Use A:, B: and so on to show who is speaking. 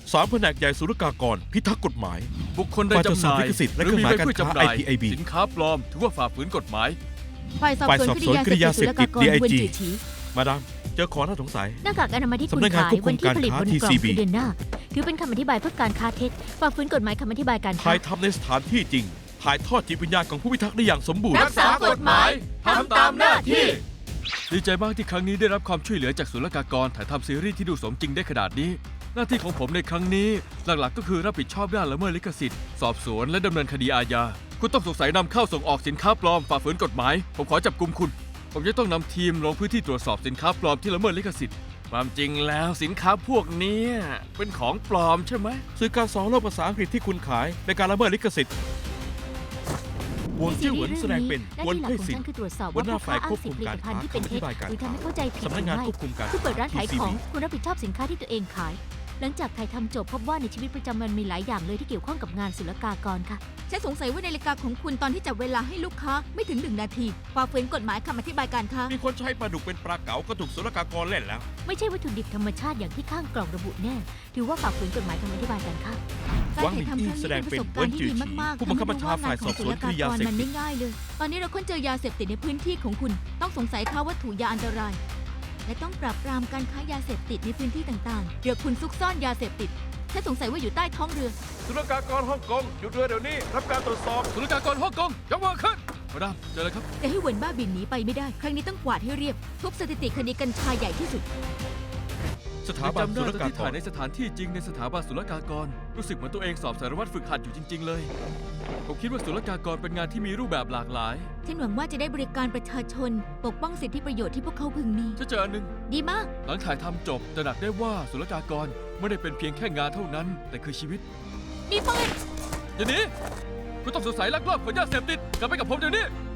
A: 3 แผนกใหญ่ศุลกากรพิทักษ์กฎหมาย
B: บุคคลใดจำหน่าย
A: ฝ่ายตรวจสอบลิขสิทธิ์และ
B: หรือมี
A: เครื่องหมาย
B: ใบเพื่อ
A: การค้า
B: จำหน่าย
A: IPIB
B: สินค้าปลอมถือว่าฝ่าฝืนกฎหมาย
C: ฝ่ายสอบสวนคดียาเสพติดศุลกากร
A: DIG
C: เวนจือฉี
A: มาดามเจอของน่าสงสัย
C: หน้ากากอนามัยที่คุณ
A: สำนักงาน
C: ขาย
A: ควบคุ
C: วั
A: ม
C: นที่ผลิต
A: การ
C: บ
A: ค้าน
C: กล่อง
A: TCB
C: คือเดือนหน้าถือเป็นคำอธิบายเพื่อการค้าเท็จฝ่าฝืนกฎหมายคำอธิบายการค้า
A: ถ่ายทำในสถานที่จริง ถ่ายทอดจิตวิญญาณของผู้พิทักษ์ได้อย่างสมบูรณ์
C: รักษากฎหมายทำตามหน้าที่
B: ดีใจมากที่ครั้งนี้ได้รับความช่วยเหลือจากศุลกากรถ่ายทำซีรีส์ที่ดูสมจริงได้ขนาดนี้ หน้าที่ของผมในครั้งนี้หลักๆก็คือรับผิดชอบด้านละเมิดลิขสิทธิ์สอบสวนและดำเนินคดีอาญาคุณต้องสงสัยนำเข้าส่งออกสินค้าปลอมฝ่าฝืนกฎหมายผมขอจับกุมคุณผมจะต้องนำทีมลงพื้นที่ตรวจสอบสินค้าปลอมที่ละเมิดลิขสิทธิ์ความจริงแล้วสินค้าพวกนี้เป็นของปลอมใช่ไหม
A: สื่อการสอนโลกภาษาอังกฤษที่คุณขายในการละเมิดลิขสิทธิ์หวนจิ้วเหวินแสดงเป็น
C: หน้า
A: หวน
C: ที่หลัก
A: เพ่ย
C: ของ
A: สิน
C: ฉันคือตรวจสอบ
A: หั
C: ว่าว
A: หน้า
C: ผู้ค้า
A: ฝ่าย
C: อ้างสิทธิผลิ
A: ควบคุมการ
C: ตภัณฑ์ที่เป็นเท็จ
A: ค้า
C: หรือทำให้เข้าใจผิดห
A: สำนั
C: รื
A: ก
C: อง
A: าน
C: ไม่
A: ควบคุมการ
C: คือเปิดร้านขายของ
A: TCB
C: คุณรับผิดชอบสินค้าที่ตัวเองขาย หลังจากถ่ายทำจบพบว่าในชีวิตประจำวันมีหลายอย่างเลยที่เกี่ยวข้องกับงานศุลกากรค่ะ
D: ฉันสงสัยว่านาฬิกาของคุณตอนที่จับเวลาให้ลูกค้าไม่ถึง1 นาทีฝ่าฝืนกฎหมายคำอธิบายการค้า
A: มีคนใช้ปลาดุกเป็นปลาเก๋าก็ถูกศุลกากรเล่นแล้ว
C: ไม่ใช่วัตถุดิบธรรมชาติอย่างที่ข้างกล่องระบุแน่ ถือว่าฝ่าฝืนกฎหมายคำอธิบายการค้า
D: การ
A: หวังห
D: ถ่าย
A: ลิง
D: ทำครั้ง
A: แส
D: นี้
A: ด
D: เป็
A: ง
D: นป
A: เป็
D: ระ
A: น
D: สบการณ์ที่ดี
A: เวินจือ
D: มากๆ
A: ผู้บังคับบัญชาฝ่ายสอบสวนคดียาเสพติด
D: มันไม่ง่ายเลย ตอนนี้เราค้นเจอยาเสพติดในพื้นที่ของคุณ ต้องสงสัยค้าวัตถุยาอันตราย และต้องปราบปรามการค้ายาเสพติดในพื้นที่ต่างๆเรือคุณซุกซ่อนยาเสพติดฉันสงสัยว่าอยู่ใต้ท้องเรือ
A: ศุลกากรฮ่องกงหยุดเรือเดี๋ยวนี้รับการตรวจสอบ
B: ศุลกากรฮ่องกงยกมือขึ้นมาดามเจอเลยครับ
D: จะให้เหวินบ้าบินหนีไปไม่ได้ ครั้งนี้ต้องกวาดให้เรียบ ทุบสถิติคดีกัญชาใหญ่ที่สุด
A: สถาบัน
B: จำ
A: ศุ
B: ได้
A: ล
B: ตอน
A: กา
B: ที่
A: ก
B: ถ่าย
A: ร
B: ในสถานที่จริงในสถาบันศุลกากร รู้สึกเหมือนตัวเองสอบสารวัตรฝึกหัดอยู่จริง ๆ เลย ผมคิดว่าศุลกากรเป็นงานที่มีรูปแบบหลากหลาย
D: ฉันหวังว่าจะได้บริการประชาชน ปกป้องสิทธิประโยชน์ที่พวกเขาพึงมี
B: จะเจออันหนึ่ง
D: ดีมาก
B: หลังถ่ายทำจบตระหนักได้ว่าศุลกากรไม่ได้เป็นเพียงแค่งานเท่านั้น แต่คือชีวิต
D: มีปืน
B: อย่าหนีคุณต้องสงสัยลักลอบขนยาเสพติดกลับไปกับผมเดี๋ยวนี้